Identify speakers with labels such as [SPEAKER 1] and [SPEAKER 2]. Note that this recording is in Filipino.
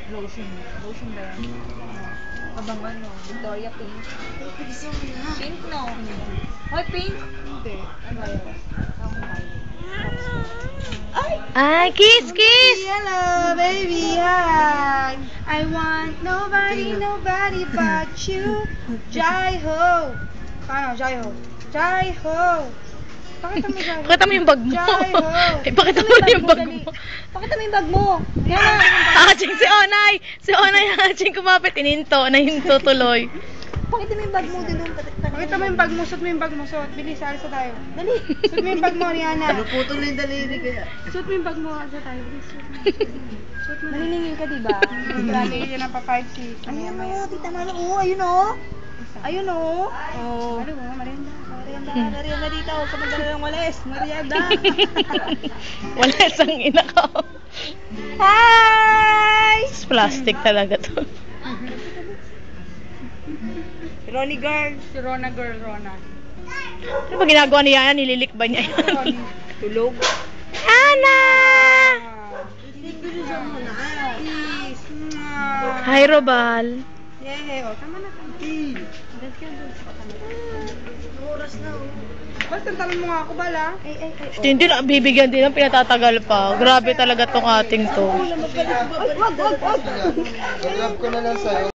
[SPEAKER 1] Lotion. Lotion ba yan? Abang ano, Victoria Pink. Pink no. Hoy, pink? Hindi. Ano ba yun?
[SPEAKER 2] Ay, kiss, kiss!
[SPEAKER 3] Hello, baby, hi. I want nobody but you. Jai-ho. Paano? Jai-ho. Jai-ho. Pakita mo, Jai-ho.
[SPEAKER 2] Pakita mo yung bag mo.
[SPEAKER 3] Jai-ho.
[SPEAKER 2] Ay, pakita mo yung bag mo.
[SPEAKER 3] Pakita mo yung bag mo. Yan na.
[SPEAKER 2] Haching si Onay! Si Onay haching kumapit. Nahinto tuloy.
[SPEAKER 3] Pakita mo yung bag mo dun. Pakita mo yung bag mo. Suot mo yung bag mo. Suot. Bilis, alisa tayo. Dali. Suot mo yung bag mo, Rihanna.
[SPEAKER 1] Putol na yung daliri kaya.
[SPEAKER 3] Suot mo yung bag mo. Alisa tayo. Bilis. Suot mo. Naniningil ka, diba? Grabe, yun ang pa-5-6. Ayun o, tita Mano. Oo, ayun o. Ayun o. Oo. Ano mo, Marianda. Marianda dito. Kamagdala ng walis. Marianda.
[SPEAKER 2] Wala isang ina ko.
[SPEAKER 3] Hi!
[SPEAKER 2] Plastic talaga to.
[SPEAKER 3] Ronnie girl. Si Rona girl, Rona.
[SPEAKER 2] Ano ba ginagawa niya yan? Nililik ba niya yan?
[SPEAKER 3] Ronnie. Tulog.
[SPEAKER 2] Ana! Hi, Robal.
[SPEAKER 3] Yeah, o. Tama na. Oras na, o. Bal, tantalan mo nga ako, Bala.
[SPEAKER 2] Hindi na, bibigyan din ng pinatatagal pa. Grabe talaga tong ating to.
[SPEAKER 3] Wag.
[SPEAKER 1] Love ko na lang sa'yo.